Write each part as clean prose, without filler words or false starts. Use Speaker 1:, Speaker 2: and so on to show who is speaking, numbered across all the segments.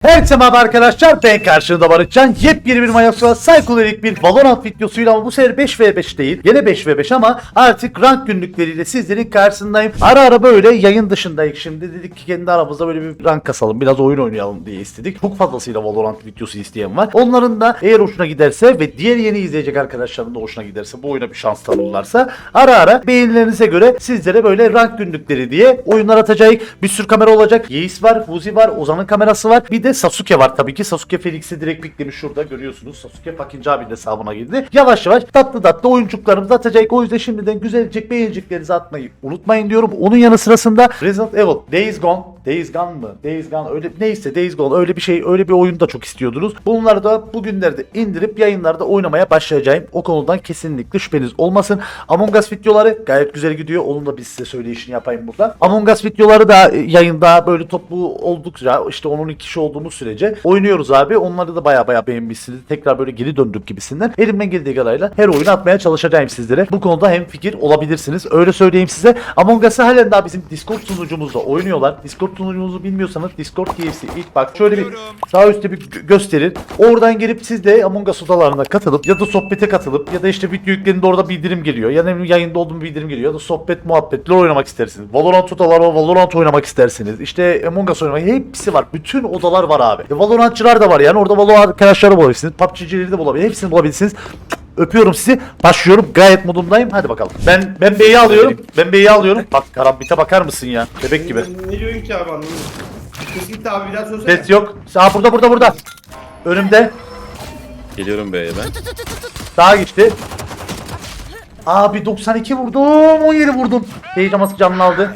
Speaker 1: Herkese merhaba arkadaşlar, ben karşınızda Barışcan. Yepyeni bir Mayoks'a Psycholorik bir Valorant videosuyla, ama bu sefer 5v5 değil. Yine 5v5 ama artık rank günlükleriyle sizlerin karşısındayım. Ara ara böyle yayın dışındayız şimdi. Dedik ki kendi aramızda böyle bir rank kasalım, biraz oyun oynayalım diye istedik. Çok fazlasıyla Valorant videosu isteyen var. Onların da eğer hoşuna giderse ve diğer yeni izleyecek arkadaşların da hoşuna giderse, bu oyuna bir şans tanırlarsa ara ara beğenilerinize göre sizlere böyle rank günlükleri diye oyunlar atacağız. Bir sürü kamera olacak. Yeis var, Fuzi var, Ozan'ın kamerası var. Bir de Sasuke var tabii ki. Sasuke Felix'i direkt piklemiş, şurada görüyorsunuz. Sasuke Fakinci abinin hesabına girdi. Yavaş yavaş tatlı oyuncuklarımızı atacak. O yüzden şimdiden güzelcek beğeniciklerinizi atmayı unutmayın diyorum. Onun yanı sırasında Resident Evil, Days Gone mı? Days Gone öyle neyse, Days Gone öyle bir şey, öyle bir oyunu da çok istiyordunuz. Bunları da bugünlerde indirip yayınlarda oynamaya başlayacağım. O konudan kesinlikle şüpheniz olmasın. Among Us videoları gayet güzel gidiyor. Onun da biz size söyleyişini yapayım burada. Among Us videoları da yayında böyle toplu oldukça, işte 10-12 kişi olduğumuz sürece oynuyoruz abi. Onları da baya beğenmişsiniz. Tekrar böyle geri döndük gibisinden. Elimden geldiği kadarıyla her oyunu atmaya çalışacağım sizlere. Bu konuda hem fikir olabilirsiniz. Öyle söyleyeyim size. Among Us'ı halen daha bizim Discord sunucumuzda oynuyorlar. Discord sunucumuzu bilmiyorsanız Discord TFC ilk bak şöyle bir sağ üstte bir gösterin. Oradan gelip siz de Among Us odalarına katılıp ya da sohbete katılıp ya da işte video yüklerinde orada bildirim geliyor. Ya da yayında olduğum bildirim geliyor. Ya da sohbet muhabbetler oynamak istersiniz. Valorant odaları, Valorant oynamak istersiniz. İşte Among Us oynamak, hepsi var. Bütün odalar var abi. Valorantçılar da var yani. Orada Valorant arkadaşları bulabilirsiniz. PUBG'cileri de bulabilirsiniz. Hepsini bulabilirsiniz. Öpüyorum sizi. Başlıyorum. Gayet modumdayım. Hadi bakalım. Ben B'yi alıyorum. Ben B'yi alıyorum. Bak karambite bakar mısın ya? Bebek gibi.
Speaker 2: Ne diyorsun ki abi, anlamadım. Kesinlikle abi, bir daha söylesene.
Speaker 1: Ses yok. Aa, burada. Önümde.
Speaker 3: Geliyorum B'ye ben.
Speaker 1: Sağa geçti. Abi 92 vurdum. 17 vurdum. Heyecanması canını aldı.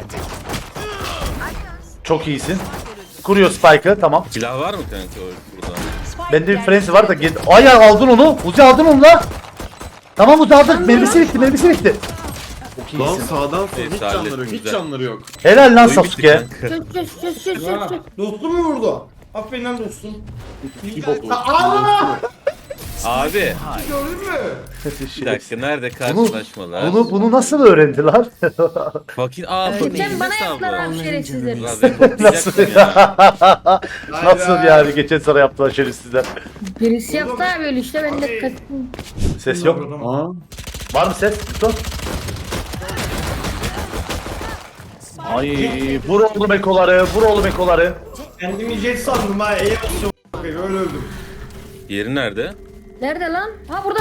Speaker 1: Çok iyisin. Kuruyor Spike'ı. Tamam.
Speaker 3: Silah var mı kanka burada?
Speaker 1: Bende bir frenzy var da geldi. Ay ya, aldın onu. Uzi aldın onu la. Tamam Uzi aldın. Mermisi bitti. Çok
Speaker 4: Lan
Speaker 1: iyisin.
Speaker 4: sağdan sonra
Speaker 3: Evet,
Speaker 4: hiç canları yok,
Speaker 3: hallettim,
Speaker 4: hiç
Speaker 3: güzel.
Speaker 4: canları yok.
Speaker 1: Helal lan
Speaker 3: Oyun bitti
Speaker 1: Sasuke.
Speaker 3: kanka.
Speaker 2: Ha, dostum mu vurdu? Aferin lan dostum.
Speaker 1: bot
Speaker 2: Aaa!
Speaker 3: Abi
Speaker 2: Gördün mü?
Speaker 3: bir dakika, nerede karşılaşmalar?
Speaker 1: Bunu nasıl öğrendiler?
Speaker 3: Fakir
Speaker 5: Geçen bana yaptılar abi şerefsizler.
Speaker 1: Nasıl Nasıl yani geçen sene yaptılar şerefsizler.
Speaker 5: Birisi yaptı abi öyle işte ben de kaçtım.
Speaker 1: Ses yok.
Speaker 4: Aa.
Speaker 1: Var mı ses? Dur. Ay, vur oğlum ekoları.
Speaker 2: Kendimi jet sandım ha. Eğer öyle öldüm.
Speaker 3: Yeri nerede?
Speaker 5: Nerede lan? Ha burada.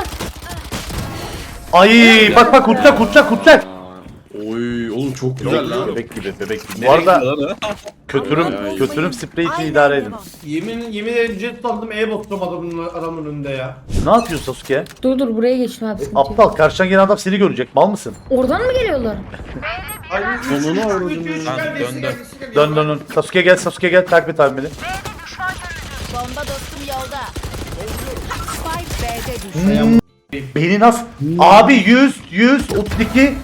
Speaker 1: Ay bak kurtacak.
Speaker 4: Oy oğlum çok güzel lan.
Speaker 1: Bebek gibi. Bu arada
Speaker 4: Ay.
Speaker 1: kötürüm sprey için idare edin.
Speaker 2: Yemin ederim jet sandım, bastım adamın önünde ya.
Speaker 1: Ne yapıyorsun Sasuke?
Speaker 5: Dur buraya geçtim abi. sıkıntı yok.
Speaker 1: Aptal, karşıdan gelen adam seni görecek. Mal mısın?
Speaker 5: Oradan mı geliyorlar?
Speaker 2: Ay,
Speaker 4: Sonunu avradım
Speaker 2: üç,
Speaker 4: ya.
Speaker 3: Dön.
Speaker 1: Sasuke gel takip et abi beni.
Speaker 6: Bomba dostum yolda. Spike B'de düştü.
Speaker 1: Beni nasıl? Abi 100 32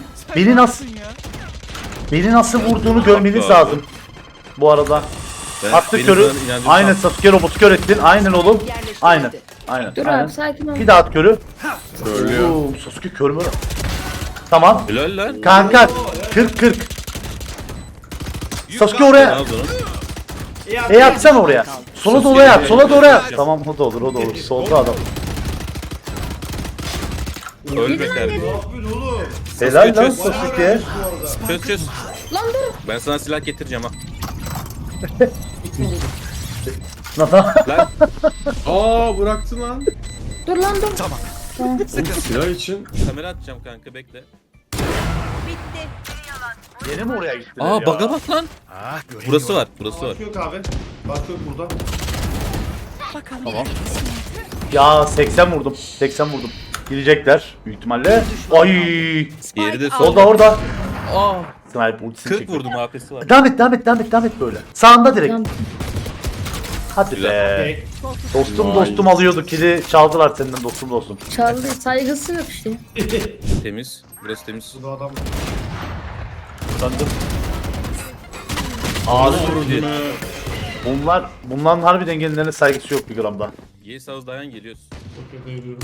Speaker 1: beni nasıl vurduğunu görmeniz
Speaker 3: Abi.
Speaker 1: lazım. Bu arada.
Speaker 3: Ben-
Speaker 1: Attı
Speaker 3: benim
Speaker 1: körü.
Speaker 3: sana inancım
Speaker 1: Aynen
Speaker 3: tam.
Speaker 1: Sasuke robotu kör ettin. Aynen oğlum. Aynen.
Speaker 5: Dur
Speaker 1: Aynen.
Speaker 5: abi sakin ol.
Speaker 1: Bir daha at körü.
Speaker 4: Söylüyor.
Speaker 1: Oo, Sasuke kör mü? Tamam.
Speaker 3: Helal lan.
Speaker 1: Kanka 40. Sasuke
Speaker 3: Ne
Speaker 1: oraya.
Speaker 3: yaptın?
Speaker 1: Atsana oraya. Sola doğru at. Tamam, o da olur. Solda adam.
Speaker 3: Ölme kardeşim.
Speaker 2: Ne yapıyorsun oğlum?
Speaker 1: Helal lan
Speaker 3: çöz.
Speaker 1: Sasuke.
Speaker 3: Çöz.
Speaker 5: Lan dur.
Speaker 3: Ben sana silah getireceğim ha. Lan
Speaker 4: Aa bıraktı lan.
Speaker 5: Dur lan dur.
Speaker 4: Oğlum silah için.
Speaker 3: kamera atacağım kanka, bekle.
Speaker 1: Yeni mi oraya gittiler
Speaker 3: Aa
Speaker 1: ya?
Speaker 3: baga bak lan. Burası var.
Speaker 2: Bak yok abi. Bak yok burada.
Speaker 1: Tamam. Ya 80 vurdum. Gidecekler büyük ihtimalle. Ay!
Speaker 3: Yeri de sol.
Speaker 1: Orada.
Speaker 3: Aa,
Speaker 1: Sniper ultisini
Speaker 3: 40
Speaker 1: çekiyor.
Speaker 3: vurdum, AP'si var.
Speaker 1: Devam et böyle. Sağında direkt.
Speaker 5: Tamam.
Speaker 1: Hadi be.
Speaker 2: Okey.
Speaker 1: Dostum alıyordu. Kili çaldılar senden dostum.
Speaker 5: Çaldı saygısı yok işte.
Speaker 3: Temiz. Burası temiz.
Speaker 2: Bu adam.
Speaker 1: Sandım. Ağzı vurdu. Bunların harbiden kendilerine saygısı yok bir gramda.
Speaker 3: Yes az dayan, geliyoruz.
Speaker 2: Çok kötü yürüyorum.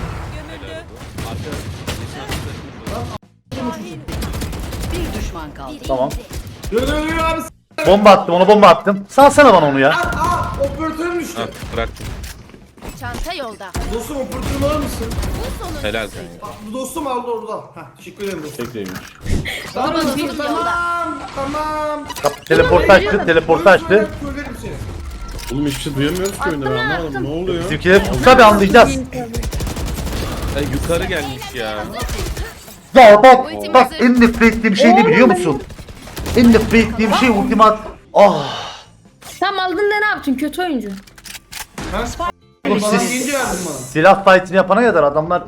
Speaker 6: Bir düşman kaldı.
Speaker 1: Tamam.
Speaker 2: Yürü abi.
Speaker 1: Bomba attım. Salsana bana onu ya.
Speaker 2: Operatörüm düştü.
Speaker 3: Ha bırak.
Speaker 6: Çanta yolda.
Speaker 2: Dostum operatörüm alır mısın?
Speaker 3: Helal kanka.
Speaker 2: Bu dostum aldı orada. Heh, teşekkür ederim dostum.
Speaker 4: Tekleymiş.
Speaker 2: Tamam
Speaker 6: dostum
Speaker 2: dostum
Speaker 6: yolda.
Speaker 2: tamam.
Speaker 1: Teleportu açtı, teleportu açtı.
Speaker 2: Söylerim seni.
Speaker 4: Oğlum hiçbir şey duyamıyoruz ki oyunda, ben anlamadım ne oluyor?
Speaker 1: Bizimkileri tutsa bir anlayacağız.
Speaker 3: Ay, yukarı gelmiş ya.
Speaker 1: Ya bak en nefret ettiğim şey ne biliyor musun? En nefret ettiğim şey ultimat. Ah.
Speaker 5: Tam aldın da ne yaptın? Kötü oyuncu.
Speaker 1: Oğlum
Speaker 2: Bana
Speaker 1: siz
Speaker 2: gelince verdin bana.
Speaker 1: silah fight'ini yapana kadar adamlar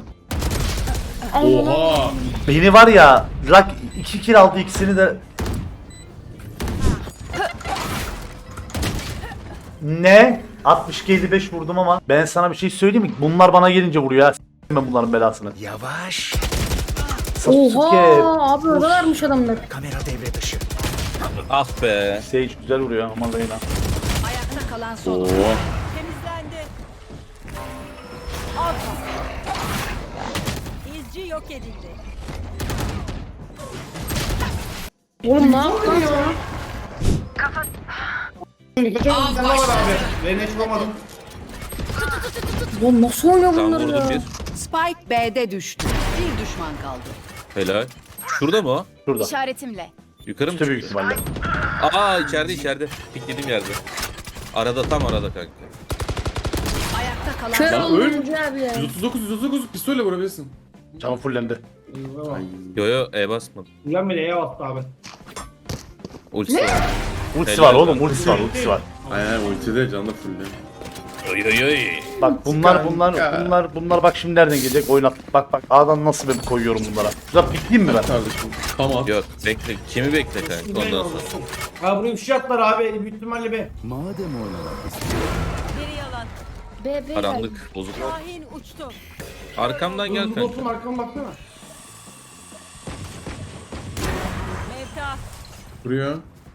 Speaker 4: Oha!
Speaker 1: beni var ya Rak 2 kill aldı, ikisini de ne? 62-55 vurdum ama ben sana bir şey söyleyeyim mi? Bunlar bana gelince vuruyor ha. S**tim ben bunların belasını.
Speaker 7: Yavaş.
Speaker 1: Sasuke.
Speaker 5: Oha abi oradalarmış adamlar.
Speaker 7: Kamera devre dışı.
Speaker 3: Ah be.
Speaker 1: Sage güzel vuruyor aman Reyna.
Speaker 6: Ayakta kalan son.
Speaker 4: Oo.
Speaker 6: Temizlendi. İzci yok edildi.
Speaker 5: Oğlum ne yaptın ya?
Speaker 2: Sana var abi. Ben hiç bulamadım.
Speaker 5: Oğlum nasıl oynuyor
Speaker 3: Tam
Speaker 5: bunlar
Speaker 3: vurdum
Speaker 5: ya?
Speaker 3: bir.
Speaker 6: Spike B'de düştü. Bir düşman kaldı.
Speaker 3: Helal. Şurada mı o?
Speaker 1: Şurada.
Speaker 6: İşaretimle.
Speaker 3: Yukarı mı
Speaker 1: İşte büyük
Speaker 3: çıktı?
Speaker 1: ihtimalle.
Speaker 3: Aa içeride. Piklediğim yerde. Arada tam arada kanka.
Speaker 6: Ayakta kalan
Speaker 5: Kör
Speaker 4: Lan
Speaker 5: oldu
Speaker 4: öl.
Speaker 5: oyuncu abi ya.
Speaker 4: 139 pistolle vurabilirsin.
Speaker 1: Canım fullendi.
Speaker 3: Yo E basmadım.
Speaker 2: Ulan bile bastı abi.
Speaker 3: Ultisi var.
Speaker 1: Ultisi
Speaker 3: Helal
Speaker 1: var oğlum,
Speaker 3: olsun.
Speaker 1: ultisi var, ultisi var.
Speaker 4: Aynen ultide canlı fulle.
Speaker 1: Bak bunlar bak şimdi nereden gelecek oynat. Bak A'dan nasıl ben koyuyorum bunlara. Şurada pikleyeyim mi ben?
Speaker 4: Kardeşim. Tamam.
Speaker 3: Yok bekle. Kimi bekle kanka ondan sonra.
Speaker 2: Ha buraya bir şey attılar abi. Büyük ihtimalle be.
Speaker 7: Madem oynamak
Speaker 5: B.
Speaker 3: Karanlık bozuk.
Speaker 6: Şahin uçtu.
Speaker 3: Arkamdan gel
Speaker 2: Bu
Speaker 3: kanka.
Speaker 2: dostum arkama baksana.
Speaker 6: Mevta.
Speaker 4: Vuruyor.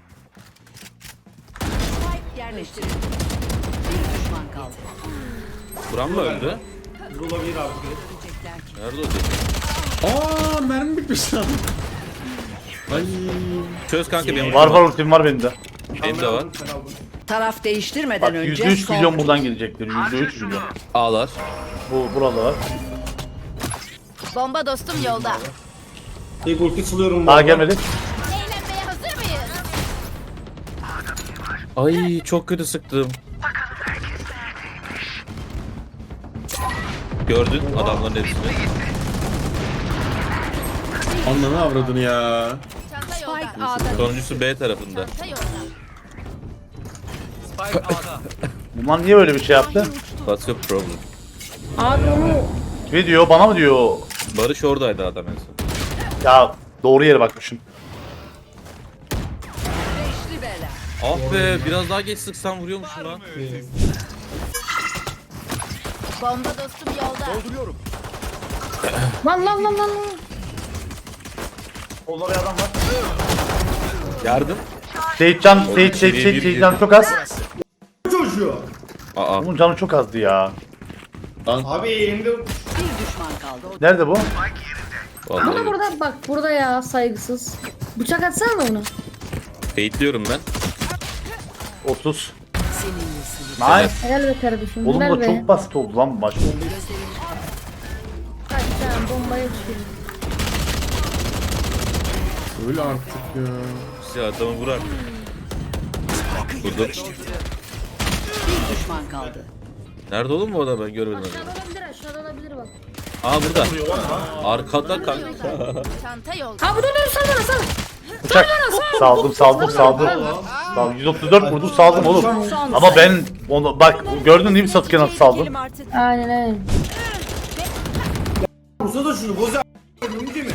Speaker 6: Spike yerleştirildi. Bir düşman kaldı.
Speaker 3: Buram mı öldü?
Speaker 2: Bu olabilir abi.
Speaker 3: Nerede o dedi?
Speaker 4: Aa mermi bitmiş lan. Ay.
Speaker 3: Çöz kanka benim.
Speaker 1: Var ultim var benim de.
Speaker 3: Benim de var.
Speaker 2: Sen aldın.
Speaker 6: Taraf değiştirmeden
Speaker 1: Bak
Speaker 6: önce
Speaker 1: %3
Speaker 6: son
Speaker 1: milyon buradan gelecektir. %3 milyon.
Speaker 3: Ağlar.
Speaker 1: Burada var.
Speaker 6: Bomba dostum yolda.
Speaker 2: İlk ulti sılıyorum.
Speaker 1: Daha gelmedi.
Speaker 6: Eğlenmeye hazır mıyız?
Speaker 3: Ay çok kötü sıktım. Gördün adamların hepsini.
Speaker 4: Ananı avradını ya.
Speaker 6: Çanta yolda.
Speaker 3: Sonuncusu B tarafında.
Speaker 6: Çanta yolda.
Speaker 1: Bunlar niye böyle bir şey yaptı?
Speaker 3: What's your problem?
Speaker 5: Abi onu
Speaker 1: Ne diyor, bana mı diyor?
Speaker 3: Barış oradaydı adam en son.
Speaker 1: Ya doğru yere bakmışım.
Speaker 6: Beşli bela.
Speaker 3: Ah be biraz daha geç sıksam vuruyormuşum lan.
Speaker 6: Bomba dostum yolda.
Speaker 5: lan.
Speaker 1: Solda bir adam var.
Speaker 3: Yardım.
Speaker 1: Sage canı çok az.
Speaker 2: Çocuğu.
Speaker 3: Aa.
Speaker 1: Bunun canı çok azdı ya.
Speaker 4: Lan.
Speaker 2: Abi elimde
Speaker 6: Bir düşman kaldı.
Speaker 1: Nerede bu?
Speaker 3: Vallahi
Speaker 5: burada bak burada ya saygısız. Bıçak atsana da ona.
Speaker 3: baitliyorum ben.
Speaker 1: 30. Nice.
Speaker 5: Helal be kardeşim.
Speaker 1: Oğlum
Speaker 5: helal
Speaker 1: da
Speaker 5: be.
Speaker 1: çok basit oldu lan bu maç.
Speaker 5: Kaç tane bombaya düşürdüm.
Speaker 4: Öyle artık ya.
Speaker 3: Size adamı vurar. Vurdum.
Speaker 6: Bir düşman kaldı.
Speaker 3: Nerede oğlum bu adam ben görmedim adamı.
Speaker 5: Aşağıda olabilir bak.
Speaker 3: Aa burada. Arkada kanka.
Speaker 6: Çanta yolda.
Speaker 5: Abi dur sana.
Speaker 1: Bıçak. Saldım. Tamam 134 vurdum saldım oğlum. Ama ben onu bak gördün değil mi Sasuke nasıl saldım?
Speaker 5: Aynen.
Speaker 2: Vursa da şunu boza. Değil mi?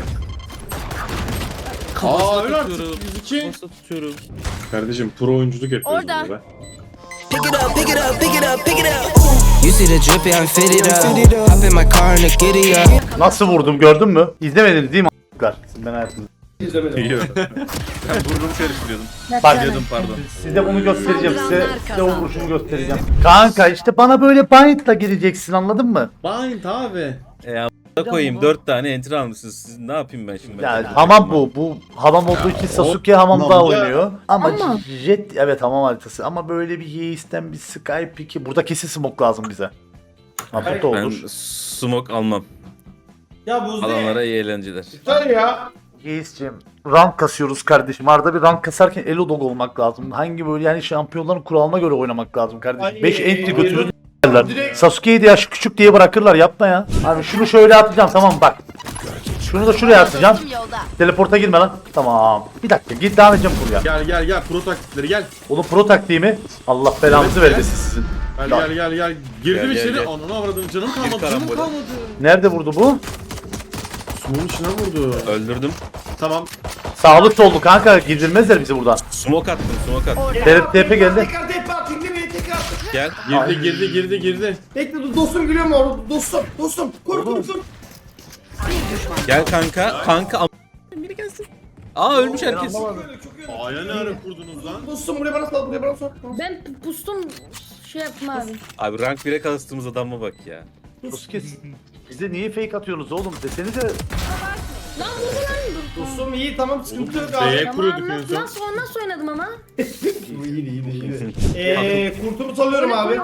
Speaker 4: Aa öyle artık.
Speaker 3: Tutuyorum.
Speaker 4: 102.
Speaker 3: Nasıl tutuyorum?
Speaker 4: Kardeşim pro oyunculuk yapıyoruz
Speaker 6: Orada.
Speaker 4: burada.
Speaker 8: Pick it up, pick it up, pick it up, pick it up. You see the drippy, I'm fitted up. Hop in my car and the giddy up.
Speaker 1: Nasıl vurdum gördün mü? İzlemediniz değil mi a**lar? Ben hayatımda.
Speaker 2: İzlemedim.
Speaker 3: Ben burnumu karıştırıyordum.
Speaker 1: Bak
Speaker 3: Diyordum pardon.
Speaker 1: size bunu göstereceğim size o vuruşumu göstereceğim. Kanka işte bana böyle bind'la gireceksin anladın mı?
Speaker 4: Bind abi.
Speaker 3: Da koyayım 4 tane enter almışsınız. Siz ne yapayım ben şimdi?
Speaker 1: Yani hamam bu. Bu hamam olduğu için Sasuke hamamda
Speaker 4: hamamda-
Speaker 1: oynuyor. Ama
Speaker 5: Ama-
Speaker 1: Jet evet hamam haritası. Ama böyle bir Yeis'ten bir Sky piki. Burada kesin smoke lazım bize. Ha burada
Speaker 3: Ben
Speaker 1: olur.
Speaker 3: smoke almam.
Speaker 2: Ya Buzdi.
Speaker 3: Adamlara iyi eğlenceler.
Speaker 2: Yeter ya.
Speaker 1: Yeis'cim rank kasıyoruz kardeşim. Arada bir rank kasarken elo dog olmak lazım. Hangi böyle yani şampiyonların kuralına göre oynamak lazım kardeşim.
Speaker 2: Ay,
Speaker 1: 5 entry
Speaker 2: ay,
Speaker 1: götürür
Speaker 2: ay.
Speaker 1: derler.
Speaker 2: Direkt-
Speaker 1: Sasuke'yi de yaş küçük diye bırakırlar yapma ya. Abi şunu şöyle atacağım tamam bak. Şunu da şuraya atacağım. Teleporta girme lan. Tamam. Bir dakika git devam edeceğim buraya.
Speaker 4: Gel pro taktikleri gel.
Speaker 1: Oğlum pro taktiği mi? Allah belanızı
Speaker 4: Evet,
Speaker 1: vermesin sizin.
Speaker 4: Gel. Girdim
Speaker 3: Gel,
Speaker 4: içeri.
Speaker 3: gel.
Speaker 4: Ananı avradım. Canım kalmadı.
Speaker 3: karambole.
Speaker 4: Canım kalmadı.
Speaker 1: Nerede vurdu bu?
Speaker 4: Smoke'un içine vurdu.
Speaker 3: Öldürdüm.
Speaker 4: Tamam.
Speaker 1: Sağlık soldu kanka. Gidilmezler bizi buradan.
Speaker 3: Smoke attım smoke attım.
Speaker 1: TP geldi.
Speaker 2: Tekrar TP atayım değil mi? Tekrar.
Speaker 3: Gel.
Speaker 4: Girdi.
Speaker 2: Bekle dur dostum gülüyor mu orada? Dostum. Koru.
Speaker 3: Gel kanka. Kanka biri gelsin. Aa ölmüş herkes.
Speaker 4: Aya ne ara kurdunuz lan?
Speaker 2: Dostum buraya bana sal.
Speaker 5: Ben pustum şey yaptım abi.
Speaker 3: Abi rank 1'e kastığımız adama bak ya.
Speaker 1: Sasuke bize niye fake atıyorsunuz oğlum desenize.
Speaker 5: Lan vurdu lan.
Speaker 2: Dostum iyi tamam sıkıntı yok
Speaker 4: B'ye
Speaker 2: abi.
Speaker 4: kuruyorduk en
Speaker 5: Nasıl,
Speaker 4: son.
Speaker 5: nasıl oynadım ama?
Speaker 2: İyi. Kurtumu salıyorum abi.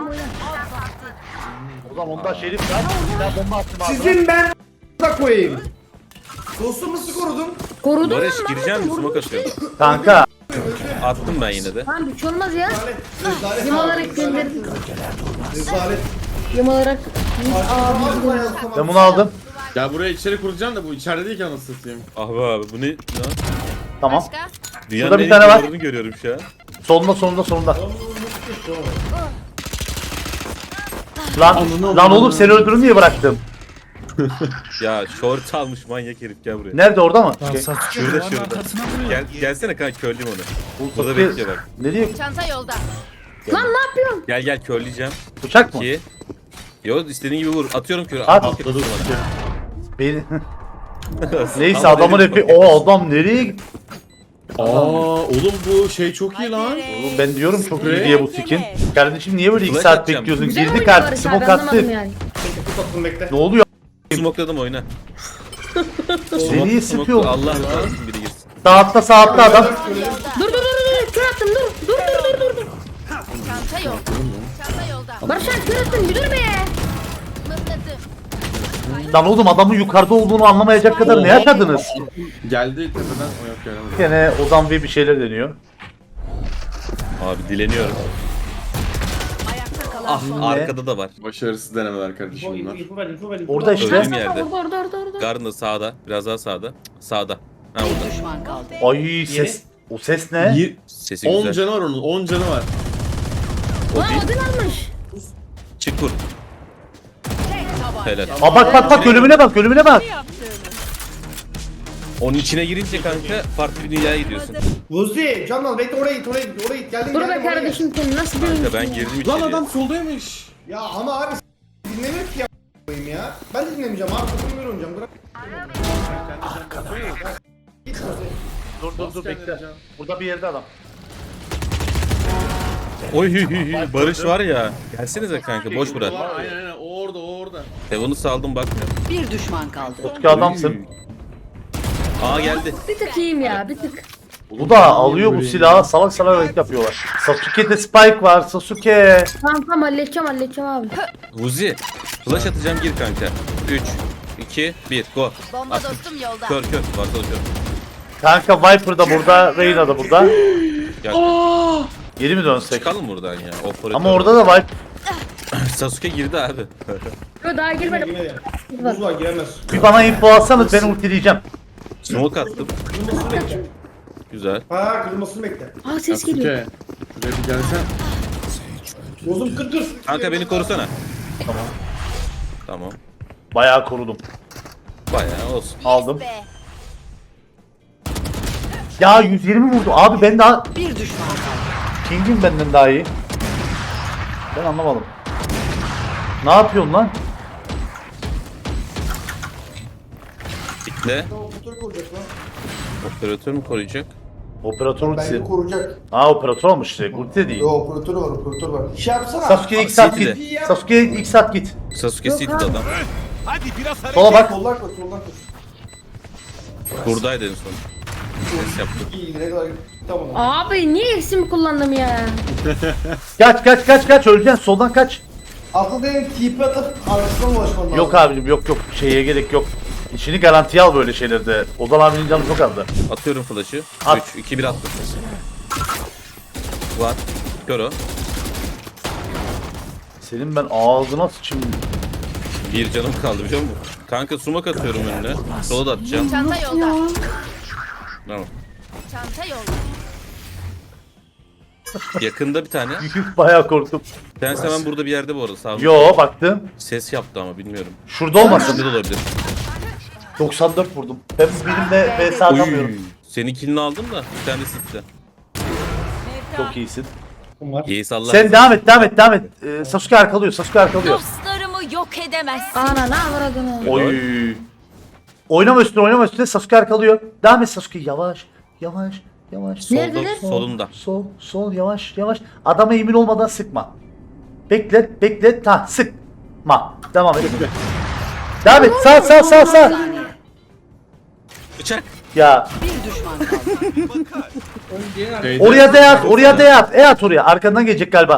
Speaker 1: O zaman ondan Şerif var. Bir daha bomba attım abi.
Speaker 2: Sizin ben da koyayım. Dostum nasıl korudun?
Speaker 5: Korudum lan.
Speaker 3: Barış gireceğim mi? Smoke atıyorum.
Speaker 1: Kanka.
Speaker 3: Attım ben yine de.
Speaker 5: Lan bir şey olmaz ya.
Speaker 2: Rezalet
Speaker 5: Yem
Speaker 2: abi.
Speaker 5: olarak gönderdim.
Speaker 2: Rezalet.
Speaker 5: Yem olarak.
Speaker 1: Ben bunu aldım.
Speaker 4: Ya buraya içeri kuracağım da bu içeride değil ki anasını satayım.
Speaker 3: Ah be abi bu ne lan?
Speaker 1: Tamam.
Speaker 3: Dünyanın
Speaker 1: Şurada bir
Speaker 3: en
Speaker 1: tane
Speaker 3: iyi
Speaker 1: var.
Speaker 3: duvarını görüyorum şu an.
Speaker 1: Solunda. Lan oğlum seni öldürün diye bıraktım.
Speaker 3: Ya short almış manyak herif gel buraya.
Speaker 1: Nerede orada mı?
Speaker 3: Şurada. Gelsene kanka körleyeyim onu. Burada bekliyor bak.
Speaker 1: Nereye?
Speaker 6: Çanta yolda.
Speaker 5: Lan ne yapıyorsun?
Speaker 3: Gel körleyeceğim.
Speaker 1: Bıçak mı?
Speaker 3: 2. Yo istediğin gibi vur. Atıyorum körü.
Speaker 1: At.
Speaker 4: Atladı Sasuke.
Speaker 1: Beni... Neyse adamın epi... O adam nereye gitti?
Speaker 4: Oğlum bu şey çok iyi lan.
Speaker 1: Oğlum ben diyorum çok iyi diye bu skin. Kardeşim niye böyle 2
Speaker 3: Flash
Speaker 1: saat
Speaker 3: atacağım.
Speaker 1: bekliyorsun?
Speaker 5: Güzel
Speaker 1: Girdik
Speaker 5: oynuyor
Speaker 1: artık
Speaker 5: Barış
Speaker 1: smoke
Speaker 5: abi, anlamadım
Speaker 1: attık.
Speaker 5: yani.
Speaker 2: Tatlım bekle.
Speaker 1: Ne oluyor?
Speaker 3: Smokeladım oyna.
Speaker 1: Seni sıkıyor.
Speaker 3: Allah razı olsun biri girsin.
Speaker 1: Sağ altta adam.
Speaker 5: Dur. Kör attım dur. Dur.
Speaker 6: Çanta yolda. Çanta yolda.
Speaker 5: Barış abi kör attım bir dur be.
Speaker 6: Mıhladı.
Speaker 1: Lan oğlum adamın yukarıda olduğunu anlamayacak kadar ne yaşadınız?
Speaker 4: Geldi tepeden o yok yani.
Speaker 1: Gene Ozan bir şeyler deniyor.
Speaker 3: Abi dileniyorum.
Speaker 6: Ayakta kalan
Speaker 3: Ah
Speaker 6: son.
Speaker 3: arkada da var.
Speaker 4: Başarısız denemeler kardeşim bunlar.
Speaker 2: İnfo ver.
Speaker 1: Orada işte.
Speaker 3: Öldüğüm yerde.
Speaker 5: Orada.
Speaker 3: Garden da sağda. Biraz daha sağda. Sağda. Ha
Speaker 6: Bir
Speaker 3: orada.
Speaker 6: düşman kaldı.
Speaker 1: Ay ses. O ses ne?
Speaker 3: Sesi
Speaker 4: 10
Speaker 3: güzel.
Speaker 4: canı var onun 10 canı var.
Speaker 5: Lan Odin almış.
Speaker 3: Çık vur. Helal.
Speaker 1: Aa bak ölümüne bak.
Speaker 3: Onun içine girince kanka farklı bir dünyaya gidiyorsun.
Speaker 2: Vuzi, Canal bekle oraya git. Geldim
Speaker 5: Dur be
Speaker 2: oraya
Speaker 5: kardeşim sen nasıl bir
Speaker 3: Kanka ben
Speaker 5: oyuncusun ya?
Speaker 3: girdim içeriye.
Speaker 4: Lan adam soldaymış.
Speaker 2: Ya ama abi dinlemiyor ki ya koyayım ya. Ben de dinlemeyeceğim abi. Takımı böyle oynayacağım. Bırak. Git Vuzi.
Speaker 1: Dur bekle. Burada bir yerde adam.
Speaker 3: Oy Barış var ya. Gelsenize kanka boş bırak.
Speaker 4: Aynen o orada.
Speaker 3: Devonu saldım bakmıyor.
Speaker 6: Bir düşman kaldı.
Speaker 1: Ki adamsın.
Speaker 3: Aa geldi.
Speaker 5: Bir tık iyiyim ya bir tık.
Speaker 1: Bu da alıyor bu silahı salak hareket yapıyorlar. Sasuke'de Spike var Sasuke.
Speaker 5: Tamam halledeceğim abi.
Speaker 3: Vuzi. Flash atacağım gir kanka. 3, 2, 1 go.
Speaker 6: Bomba
Speaker 3: Attım.
Speaker 6: dostum yolda.
Speaker 3: Kör. Varsa kör.
Speaker 1: Kanka Viper da burada, Reyna da burada.
Speaker 3: Gel.
Speaker 1: Geri mi dönsek?
Speaker 3: Çıkalım buradan ya. Operatör.
Speaker 1: Ama orada da Viper.
Speaker 3: Sasuke girdi abi.
Speaker 5: Yo daha girmedim.
Speaker 2: Girmedi. Buz var giremez.
Speaker 1: Bir bana info alsanız ben ultileyeceğim.
Speaker 3: Smoke attım.
Speaker 2: Kırılmasını bekle.
Speaker 3: Güzel.
Speaker 2: Ha kırılmasını bekle.
Speaker 5: Aa ses geliyor.
Speaker 4: Sasuke. Şuraya bir gelsen.
Speaker 2: Bozum kır.
Speaker 3: Kanka beni korusana. Tamam.
Speaker 1: Bayağı korudum.
Speaker 3: Bayağı olsun.
Speaker 1: Aldım.
Speaker 6: Be.
Speaker 1: Ya 120 vurdu. Abi ben daha...
Speaker 6: Bir düşman kaldı.
Speaker 1: King'im benden daha iyi. Ben anlamadım. Ne yapıyorsun lan?
Speaker 3: Bekle.
Speaker 2: Operatör koruyacak lan.
Speaker 3: Operatör mü koruyacak?
Speaker 1: Operatör ultisi.
Speaker 2: Bence koruyacak.
Speaker 1: Aa operatör olmuş işte. Ulti de değil.
Speaker 2: Yo operatör var. Şey yapsana.
Speaker 1: Sasuke ilk saat
Speaker 3: City
Speaker 1: git. Sasuke ilk saat git.
Speaker 3: Sasuke
Speaker 5: Yok
Speaker 3: sildi
Speaker 5: abi.
Speaker 3: adam.
Speaker 1: Sola bak.
Speaker 2: Soldan koş, soldan koş.
Speaker 3: Buradaydı en son. Ses yaptı.
Speaker 2: İyi, ne kadar tamam.
Speaker 5: Abi niye eksimi kullandım ya?
Speaker 1: Kaç öleceksin soldan kaç.
Speaker 2: Aslında benim TP atıp arkasından ulaşmam lazım.
Speaker 1: Yok abicim yok şeye gerek yok. İşini garantiye al böyle şeylerde. Ozan abinin canı çok azdı.
Speaker 3: Atıyorum flash'ı.
Speaker 1: At.
Speaker 3: 3, 2, 1 attım. Var. Kör o.
Speaker 1: Senin ben ağzına sıçayım.
Speaker 3: Bir canım kaldı biliyor musun? Kanka sumak atıyorum önüne. Sola da atacağım.
Speaker 6: Çanta yolda.
Speaker 3: Tamam.
Speaker 6: Çanta yolda.
Speaker 3: Yakında bir tane.
Speaker 1: Bayağı korktum.
Speaker 3: Bir tanesi hemen burada bir yerde bu arada. Sağ
Speaker 1: Yo baktım.
Speaker 3: Ses yaptı ama bilmiyorum.
Speaker 1: Şurada olmasın.
Speaker 3: Arkada da olabilir.
Speaker 1: 94 vurdum. Ben birimle vs atamıyorum.
Speaker 3: Senin killini aldım da bir tane sitti.
Speaker 1: Çok iyisin.
Speaker 3: İyi salla.
Speaker 1: Sen devam et. Sasuke arkalıyor.
Speaker 6: Dostlarımı yok edemezsin.
Speaker 5: Ana ne avradını.
Speaker 1: Oy. Oynama üstüne Sasuke arkalıyor. Devam et Sasuke yavaş.
Speaker 5: Neredeler?
Speaker 3: Solunda.
Speaker 1: Sol yavaş. Adama emin olmadan sıkma. Beklet. Sıkma. Devam et. Devam et. Sağ.
Speaker 3: Bıçak.
Speaker 1: Ya
Speaker 6: Bir düşman kaldı.
Speaker 1: oraya da yat. Oraya. Arkandan gelecek galiba.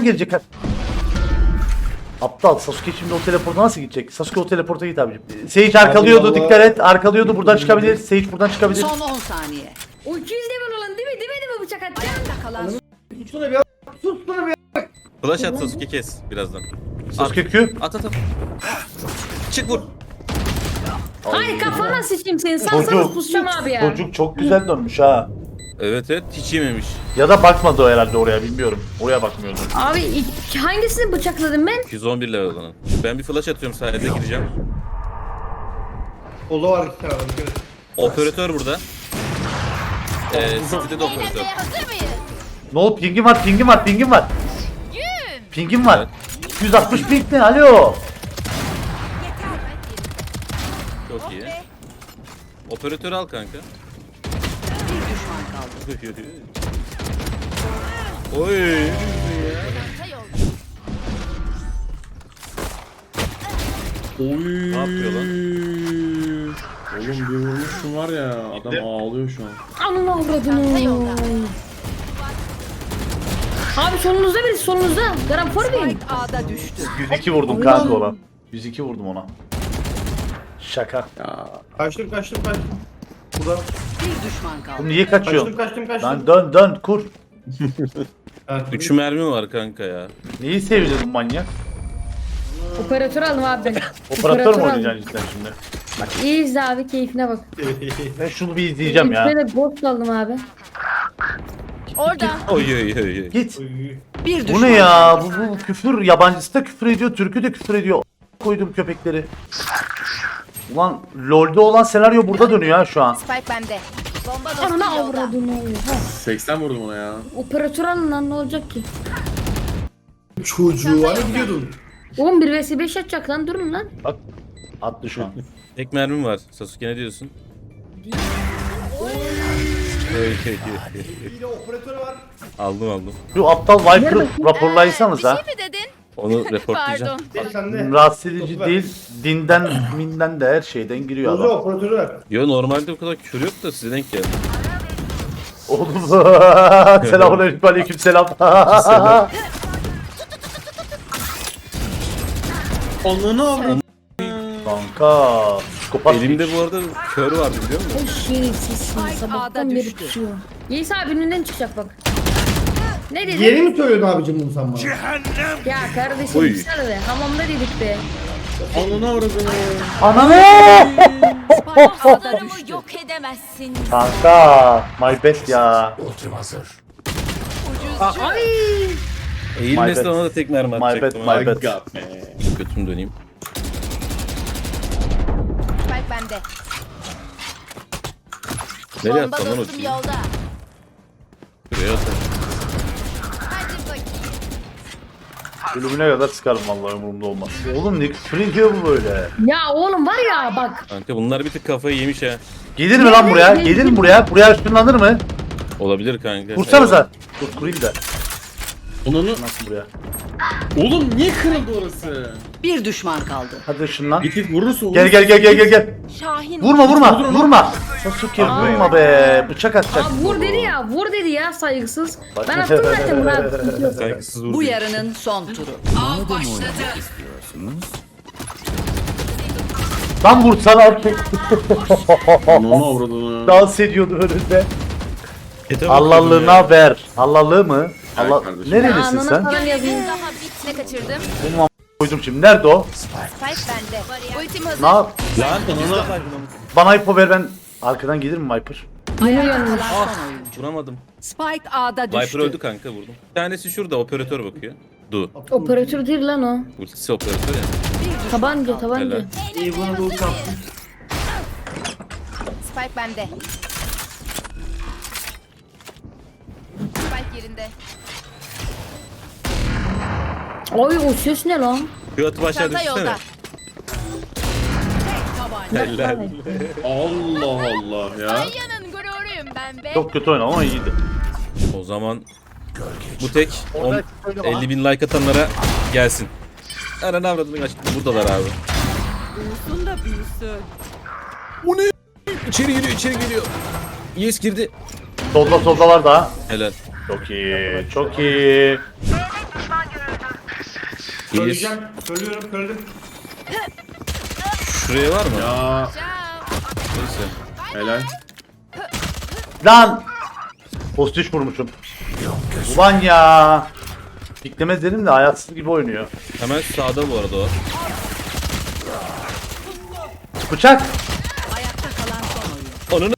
Speaker 1: Aptal Sasuke şimdi o teleporta nasıl gidecek? Sasuke o teleporta git abicim. Sage arkalıyordu
Speaker 2: Allah.
Speaker 1: dikkat et. Arkalıyordu buradan çıkabilir. Sage buradan çıkabilir.
Speaker 6: Son 10 saniye.
Speaker 5: O 200 level olan değil mi bıçak atacağım?
Speaker 6: Ayakta kalan
Speaker 2: Tutsana bir Tutsana bir
Speaker 3: Flash at Sasuke kes birazdan.
Speaker 1: Sasuke Q.
Speaker 3: At. Çık vur.
Speaker 5: Hayır kafana sıçayım senin. Sana pusacağım abi ya.
Speaker 1: Çocuk çok güzel dönmüş ha.
Speaker 3: Evet hiç yememiş.
Speaker 1: Ya da bakmadı o herhalde oraya bilmiyorum. Oraya bakmıyordu.
Speaker 5: Abi hangisini bıçakladım ben?
Speaker 3: 211 level olan. Ben bir flash atıyorum sayede gireceğim.
Speaker 2: Ola var iki tane. Dikkat et.
Speaker 3: Operatör burada. City'de de operatör.
Speaker 6: hazır mıyız?
Speaker 1: Ne oldu? Pingim var. Pingim var. 260 ping ne? Alo.
Speaker 3: Çok iyi. Operatörü al kanka.
Speaker 6: Bir düşman kaldı.
Speaker 3: Oy.
Speaker 6: Çanta yolda.
Speaker 4: Oy.
Speaker 3: Ne yapıyor lan?
Speaker 4: Oğlum bir vurmuşsun var ya, adam ağlıyor şu an.
Speaker 5: Ananı
Speaker 6: Çanta
Speaker 5: avradını.
Speaker 6: yolda.
Speaker 5: Abi solunuzda birisi solunuzda. Garanfor muyum?
Speaker 6: Spike A'da düştü.
Speaker 1: 102 vurdum kanka ona. 102 vurdum ona. Şaka.
Speaker 4: Ya
Speaker 2: Kaçtım. Burada.
Speaker 6: Bir düşman kaldı.
Speaker 1: Oğlum niye kaçıyorsun?
Speaker 2: Kaçtım.
Speaker 1: Lan dön kur.
Speaker 2: Evet.
Speaker 3: 3 mermi var kanka ya.
Speaker 1: Neyi sevdin manyak?
Speaker 5: Operatör aldım abi ben.
Speaker 1: Operatör mü
Speaker 5: aldım.
Speaker 1: oynayacaksın cidden şimdi?
Speaker 5: Bak iyi izle abi keyfine bak.
Speaker 1: Ben şunu bir izleyeceğim ya.
Speaker 5: Şöyle ghost aldım abi.
Speaker 6: Orada.
Speaker 3: Oy.
Speaker 1: Git.
Speaker 6: Bir
Speaker 1: Bu
Speaker 6: düşman
Speaker 1: ne ya? Bu küfür. Yabancısı da küfür ediyor. Türkü de küfür ediyor. Koydum köpekleri. Ulan LoL'de olan senaryo burada dönüyor ha şu an.
Speaker 6: Spike bende. Bomba dostum
Speaker 5: Ananı
Speaker 6: yolda.
Speaker 5: avradını. Ha.
Speaker 4: 80 vurdum ona ya.
Speaker 5: Operatör alın lan ne olacak ki?
Speaker 2: Çocuğu hani gidiyordun.
Speaker 5: Oğlum 1 vs 5 atacak lan durun lan.
Speaker 1: Bak. Attı şu an.
Speaker 3: Tek mermim var. Sasuke ne diyorsun?
Speaker 2: Bir de operatörü var.
Speaker 3: aldım.
Speaker 1: Şu aptal Viper'ı raporlaysanız ha.
Speaker 6: Bir şey mi dedin?
Speaker 3: Onu reportlayacağım.
Speaker 2: Değil sende.
Speaker 1: Rahatsız edici değil. Dinden, minden de her şeyden giriyor
Speaker 2: Bozu
Speaker 1: adam.
Speaker 2: operatörü ver.
Speaker 3: Yo normalde o kadar küfür yok da size denk geldi.
Speaker 1: Oğlum selamünaleyküm aleykümselam.
Speaker 4: Ananı avradım.
Speaker 1: Kanka. Psikopat.
Speaker 3: Elimde bu arada kör vardı biliyor musun?
Speaker 5: Ay şerefsizsin
Speaker 6: Spike
Speaker 5: sabahtan
Speaker 6: A'da
Speaker 5: beri
Speaker 6: düştü.
Speaker 5: tutuyor. Yiğis abi önünden çıkacak bak. Ne dedin?
Speaker 2: Yeni mi söylüyordun abicim bunu sen bana?
Speaker 5: Ya kardeşim
Speaker 3: Oy.
Speaker 5: sana be hamamda dedik be.
Speaker 4: Ananı avradım.
Speaker 1: Ananı!
Speaker 6: Dostlarımı yok edemezsin.
Speaker 1: Kanka. My bad ya.
Speaker 7: Ultim hazır.
Speaker 5: Ay.
Speaker 3: Eğilmesi
Speaker 1: bad.
Speaker 3: ona da tek mermi
Speaker 1: My
Speaker 3: atacaktım.
Speaker 1: bad, my
Speaker 3: abi.
Speaker 1: bad.
Speaker 4: God man.
Speaker 3: Götümü döneyim.
Speaker 6: Spike bende.
Speaker 3: Nereye
Speaker 6: Bomba
Speaker 3: attın lan o
Speaker 6: dostum
Speaker 3: şeyi?
Speaker 6: yolda.
Speaker 3: Şuraya at.
Speaker 6: Hadi bakayım.
Speaker 1: Ölümüne kadar sıkarım vallahi umurumda olmaz. Oğlum ne küfür ediyor bu böyle?
Speaker 5: Ya oğlum var ya bak.
Speaker 3: Kanka bunlar bir tık kafayı yemiş ha.
Speaker 1: Gelir mi lan buraya? Gelir mi buraya? Buraya ışınlanır mı?
Speaker 3: Olabilir kanka.
Speaker 1: Kursanıza. Dur kurayım da.
Speaker 4: Ananı.
Speaker 1: Nasıl buraya?
Speaker 4: Oğlum niye kırıldı orası?
Speaker 6: Bir düşman kaldı.
Speaker 1: Hadi ışınlan.
Speaker 4: Git vurursun.
Speaker 1: Gel.
Speaker 6: Şahin
Speaker 1: Vurma. Sasuke vurma be. Bıçak atacak.
Speaker 5: Abi vur dedi ya saygısız. Ben attım zaten bunu abi. Sıkıntı yok.
Speaker 3: Saygısız vurdu.
Speaker 6: bu yarının son turu. Av başladı.
Speaker 1: Lan vursana erkek.
Speaker 4: Onu avradını.
Speaker 1: Dans ediyordu önünde.
Speaker 3: Ete
Speaker 1: Allah'lığına ver. Allah'lığı mı? Allah.
Speaker 4: kardeşim.
Speaker 1: Nerelisin
Speaker 5: Anana
Speaker 1: sen?
Speaker 5: falan yazayım.
Speaker 9: Ne kaçırdım?
Speaker 1: Benim koydum şimdi. Nerede o?
Speaker 9: Spike bende. Ultim hazır.
Speaker 1: Ne yap?
Speaker 3: Lan ona
Speaker 1: Bana ipo ver ben. Arkadan gelir mi Viper?
Speaker 5: Yeniyorum.
Speaker 3: vuramadım.
Speaker 6: Spike A'da düştü.
Speaker 3: Viper öldü kanka vurdum. Bir tanesi şurada operatör bakıyor. Du.
Speaker 5: Operatör değil lan o.
Speaker 3: Ultisi operatör ya.
Speaker 5: Tabanca.
Speaker 3: Helal.
Speaker 9: Spike bende. Spike yerinde.
Speaker 5: Oy o ses ne lan?
Speaker 3: Şu atı aşağı
Speaker 9: Çanta
Speaker 3: düşsene.
Speaker 9: yolda.
Speaker 3: Helal.
Speaker 4: Allah Allah ya.
Speaker 9: Yanın gururuyum ben be.
Speaker 1: Çok kötü oynadı ama iyiydi.
Speaker 3: O zaman bu tek 50 bin like atanlara gelsin. Ananı avradını açtım. Buradalar abi.
Speaker 6: Büyüsün de büyüsün.
Speaker 3: O ne? İçeri giriyor. Yes girdi.
Speaker 1: Solda var daha.
Speaker 3: Helal.
Speaker 1: Çok iyi.
Speaker 3: Yes.
Speaker 2: Söylüyorum kördüm.
Speaker 3: Şuraya var mı?
Speaker 4: Ya
Speaker 3: Neyse.
Speaker 4: helal.
Speaker 1: Lan! Postiş vurmuşum. Ulan ya! Piklemez dedim de hayatsız gibi oynuyor.
Speaker 3: Hemen sağda bu arada o.
Speaker 1: Bıçak!
Speaker 6: Ayakta kalan son oyun.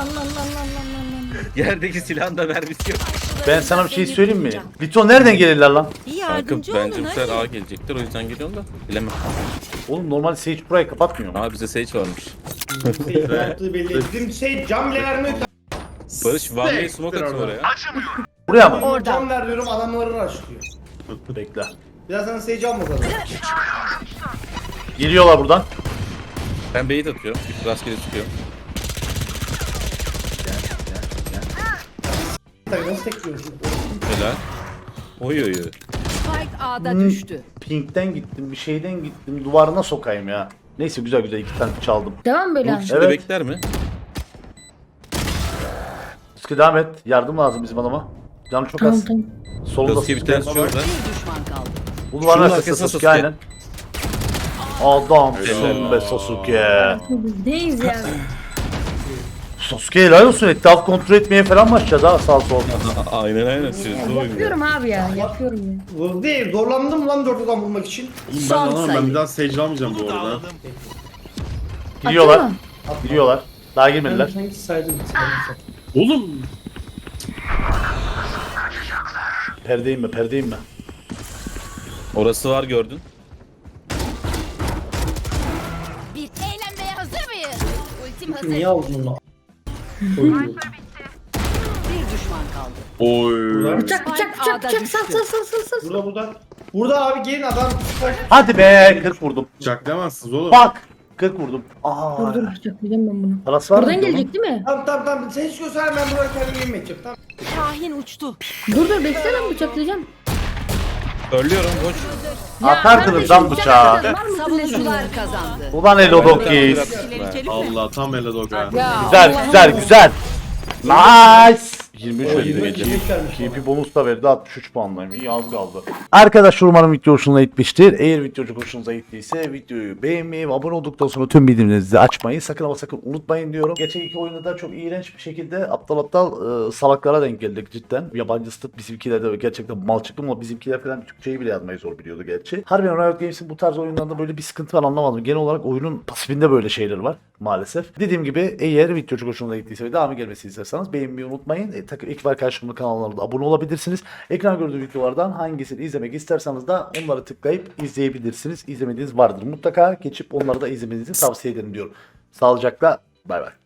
Speaker 3: Yerdeki silahın da mermisi yok.
Speaker 1: Ben sana bir şey söyleyeyim mi? Lito nereden gelirler lan?
Speaker 3: Kanka bence bu sefer A gelecektir o yüzden geliyorum da bilemem.
Speaker 1: Oğlum normal Sage burayı kapatmıyor mu?
Speaker 3: Aa bize Sage varmış.
Speaker 2: Yaptığı belli. Bizim şey cam bile vermiyor.
Speaker 3: Barış Van'la smoke atıyor oraya.
Speaker 1: Buraya mı?
Speaker 2: Cam ver diyorum adamları açlıyor.
Speaker 1: Bekle.
Speaker 2: Biraz sana şey cam bakalım.
Speaker 1: Geliyorlar buradan.
Speaker 3: Ben bait atıyorum. Rastgele çıkıyorum.
Speaker 2: Nasıl tekliyorsun?
Speaker 3: Helal. Oy.
Speaker 6: Spike A'da düştü.
Speaker 1: Pink'ten gittim, bir şeyden gittim. Duvarına sokayım ya. Neyse güzel 2 tane çaldım.
Speaker 5: Devam böyle.
Speaker 3: Bu şimdi
Speaker 1: Evet.
Speaker 3: bekler mi?
Speaker 1: Sıkı devam et. Yardım lazım bizim adama. Canım çok az.
Speaker 5: Tamam.
Speaker 1: Solunda
Speaker 3: Sasuke bir tanesi şurada.
Speaker 6: Bir düşman kaldı.
Speaker 1: Bu duvarın
Speaker 3: Şunun
Speaker 1: arkasında
Speaker 3: arkasına
Speaker 1: Sasuke
Speaker 3: Sasuke.
Speaker 1: aynen. Adamsın be Sasuke.
Speaker 5: Bizdeyiz yani.
Speaker 1: Sasuke helal olsun. Etraf kontrol etmeye falan başladı ha sağ sol.
Speaker 3: Aynen. Sözlü oynuyor.
Speaker 5: Yapıyorum abi ya. Yapıyorum ya.
Speaker 2: Bu değil. Zorlandım lan 4 adam bulmak için.
Speaker 4: Oğlum ben
Speaker 6: Son
Speaker 4: alamam ben
Speaker 6: sayı.
Speaker 4: bir daha Sage almayacağım bu arada.
Speaker 1: Giriyorlar.
Speaker 5: Atıyor mu?
Speaker 1: Giriyorlar. Daha girmediler.
Speaker 2: Sanki saydım.
Speaker 4: Oğlum
Speaker 1: Perdeyim mi?
Speaker 3: Orası var gördün.
Speaker 9: Bir eğlenmeye hazır mıyız? Ultim hazır.
Speaker 2: Niye aldın onu?
Speaker 6: Bir düşman kaldı.
Speaker 4: oy.
Speaker 5: Bıçak. Sal.
Speaker 2: Burada abi gelin adam.
Speaker 1: Hadi be 40 vurdum.
Speaker 4: Bıçaklayamazsınız oğlum.
Speaker 1: Bak 40 vurdum. Aa.
Speaker 5: Dur bıçaklayacağım ben bunu.
Speaker 1: Parası var mı?
Speaker 5: Buradan gelecek değil mi?
Speaker 2: Tamam. Sen hiç göster ben buraya kendimi yemin edeceğim. Tamam.
Speaker 6: Şahin uçtu.
Speaker 5: Dur bekle lan bıçaklayacağım.
Speaker 3: Örlüyorum boş.
Speaker 1: Atardınız lan bıçağı.
Speaker 6: Savunucular kazandı.
Speaker 1: Ulan Elodokis.
Speaker 4: Allah tam Eladoga.
Speaker 1: Güzel. Nice. 23
Speaker 2: O
Speaker 1: verdi
Speaker 2: 20
Speaker 1: gece.
Speaker 2: vermiş abi.
Speaker 1: KP bonus da verdi 63 puanlayım. İyi az kaldı. Arkadaşlar umarım video hoşunuza gitmiştir. Eğer video çok hoşunuza gittiyse videoyu beğenmeyi ve abone olduktan sonra tüm bildirimlerinizi açmayı sakın ama sakın unutmayın diyorum. Geçen iki oyunda da çok iğrenç bir şekilde aptal salaklara denk geldik cidden. Yabancı stat bizimkiler de gerçekten mal çıktı ama bizimkiler falan Türkçeyi bile yazmayı zor biliyordu gerçi. Harbiden Riot Games'in bu tarz oyunlarda böyle bir sıkıntı var anlamadım. Genel olarak oyunun pasifinde böyle şeyler var maalesef. Dediğim gibi eğer video çok hoşunuza gittiyse ve devamı gelmesini isterseniz beğenmeyi unutmayın. İlk var karşımda kanallarına da abone olabilirsiniz. Ekran gördüğü videolardan hangisini izlemek isterseniz de onları tıklayıp izleyebilirsiniz. İzlemediğiniz vardır mutlaka. Geçip onları da izlemenizi tavsiye ederim diyorum. Sağlıcakla bay bay.